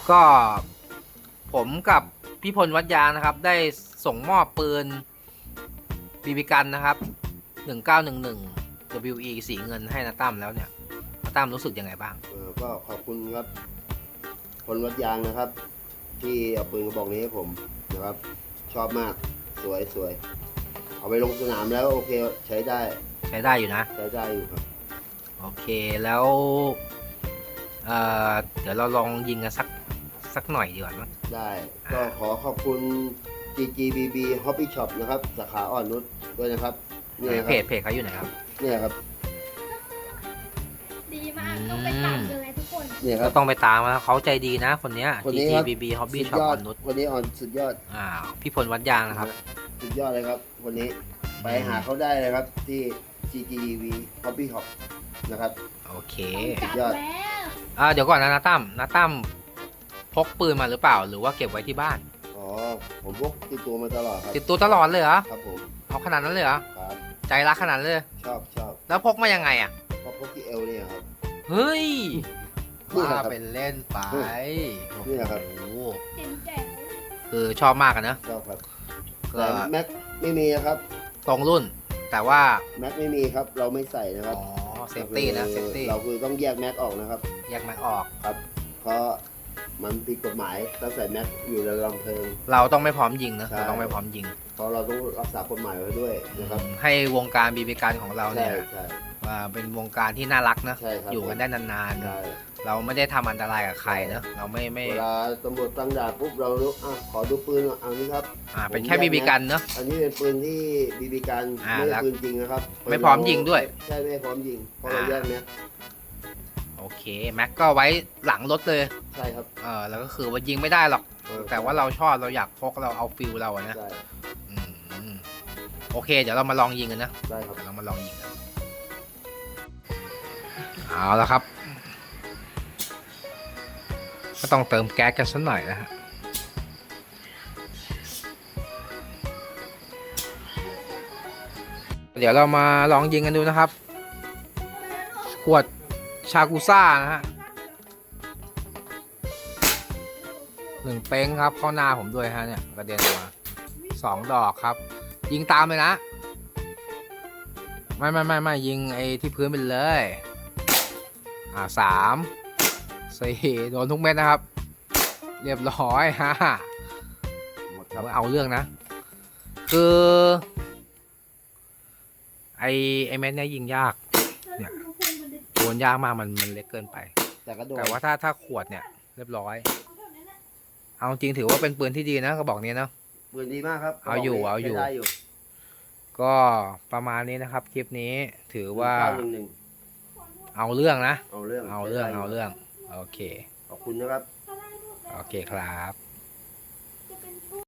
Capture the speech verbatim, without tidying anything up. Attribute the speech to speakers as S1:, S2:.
S1: ก็ผมกับพี่พลวัดยางนะครับได้ส่งมอบปืนบีบีกันนะครับหนึ่งเก้าหนึ่งหนึ่ง ดับเบิลยู อี สีเงินให้นาตั้มแล้วเนี่ยนาตั้มรู้สึกยังไงบ้าง
S2: เออก็ขอบคุณครับคนวัดยางนะครับ ที่เอาปืนกระบอกนี้ให้ผมนะครับ ชอบมากสวยสวยเอาไปลงสนามแล้วโอเคใช้ได้
S1: ใช้ได้อยู่นะ
S2: ใช้ได้อยู่ครับ
S1: โอเคแล้วเอ่อเดี๋ยวเราลองยิงกันสักสักหน่อยดีกว่ามั้ง
S2: ได้ก็ขอขอบคุณ จี จี บี บี Hobby Shop นะครับสาขาอ่อนนุชด้วยนะครับนี่นะค
S1: เพ
S2: รับ
S1: จเพจเขาอยู่ไหนครับ
S2: นี่ครับ
S3: ดีมากต้องไปตามเลยทุกคน
S2: นี่ค
S1: ก็
S2: รับ
S1: ต้องไปตามนะเขาใจดีนะคนเนี้ย
S2: คน
S1: จี
S2: นี้
S1: จี
S2: ครับ
S1: บี บี Hobby
S2: สุด
S1: Shop
S2: ยอ
S1: อ่
S2: ด
S1: อนนุช
S2: วันนี้อ่อนสุดยอด
S1: อ้าวพี่พลวัดยางนะครับ
S2: สุดยอดเลยครับวันนี้ไปหาเขาได้เลยครับที่ จี จี บี Hobby Shop นะครับ
S1: โอเค
S3: จับ
S2: ยอด
S3: แล้ว
S1: อ่าเดี๋ยวก่อนนะนาตั้มนาตั้มพกปืนมาหรือเปล่าหรือว่าเก็บไว้ที่บ้าน
S2: อ๋อผมพกติดตัวมาตลอดครับ
S1: ติดตัวตลอดเลยเหรอ
S2: ครับผม
S1: เอาขนาดนั้นเลยเหรอ
S2: ครับ
S1: ใจรักขนาดนั้นเลย
S2: ชอบชอบ
S1: แล้วพกมายังไงอ่ะ
S2: ก็พกที่เอวเนี่ยครับ
S1: เฮ้ย
S2: นี่แหละ
S1: ว่า
S2: ครับ
S1: เป็นเล่นไป
S2: นี่แหละครับ
S1: โอ้โห
S3: เห็นแจ๋ว
S1: คือชอบมากอะนะ
S2: ชอบครับ
S1: ก็
S2: แต่แม็กไม่มีนะครับ
S1: ตรงรุ่น แต่ว่า
S2: แม็กไม่มีครับเราไม่ใส่นะค
S1: อ๋
S2: รั
S1: อบ เซฟตี้นะเซฟตี้
S2: เราคือต้องแยกแม็กออกนะครับ
S1: แยกแม็กออก
S2: ครับ เพราะมันผิดกฎหมายถ้าใส่แม็กอยู่ในลำเพลิง
S1: เราต้องไม่พร้อมยิงนะ
S2: ใช่
S1: เราต้องไม่พร้อมยิง
S2: เพราะเราต้องรักษากฎหมายไว้ด้วยนะครับ
S1: ให้วงการบีบีกันของเรา
S2: ใช่
S1: เนี่ย
S2: ใช่
S1: ว่าเป็นวงการที่น่ารักนะ
S2: ใช่ครับ
S1: อยู่กันได้นาน
S2: ใช่
S1: ๆ เราไม่ได้ทำอันตรายกับใครนะเราไม่ไม่
S2: เวลาตำรวจตั้งด่านปุ๊บเรารู้อ่ะขอดูปืนหน่อยเอานี่ครับ
S1: อ่าเป็นแค่บีบีกันเนาะ
S2: อันนี้เป็นปืนที่บีบีกัน
S1: อ่า
S2: ไม่
S1: แล้
S2: ใช่
S1: ว
S2: ปืนจริงนะครับ
S1: ไม่พร้อมยิงด้วย
S2: ใช่ไม่พร้อมยิงเพราะเรา
S1: อ่า
S2: แยกแม็ก
S1: โอเคแม็กก็ไว้หลังรถเลย
S2: ใช่ครับ
S1: เออแล้วก็คือว่ายิงไม่ได้หรอก
S2: เออ
S1: แต่ว่าเราชอบเราอยากพกเราเอาฟิลเราอะนะ
S2: ใช่
S1: อืมโอเค เดี๋ยวเรามาลองยิงกันนะ
S2: ได้ครับ
S1: เดี๋ยวเรามาลองยิงกันเอาแล้วครับ ก็ต้องเติมแก๊สกันสักหน่อยนะฮะเดี๋ยวเรามาลองยิงกันดูนะครับ ขวดชากุซ่านะฮะหนึ่งเป้งครับเข้าหน้าผมด้วยฮะเนี่ยกระเด็นออกมาสองดอกครับ ยิงตามเลยนะ ไม่ไม่ไม่ไม่ยิงไอ้ที่พื้นไปเลย อ่าสามสี่โดนทุกเม็ดนะครับ เรียบร้อยฮะ
S2: หมดครับ
S1: เอาเรื่องนะ คือไอ้ไอ้เม็ดเนี้ยยิงยาก เนี่ย โดนยากมากมันมันเล็กเกินไป
S2: แต่ก็โดน
S1: แต่ว่าถ้าถ้าขวดเนี่ยเรียบร้อย เอาจริงถือว่าเป็นปืนที่ดีนะกระบอกนี้เนาะ
S2: ปืนดีมากครับ
S1: เอาอยู่เอาอยู่
S2: ใช้ได้อยู่
S1: ก็ประมาณนี้นะครับคลิปนี้ถือว่า
S2: เก้หนึ่งหนึ่ง
S1: เอาเรื่องนะ
S2: เอาเรื่อง
S1: เอาเรื่อง
S2: ใช้ได้
S1: เอาเรื่องโอเค
S2: ขอบคุณนะครับ
S1: โอเคครับ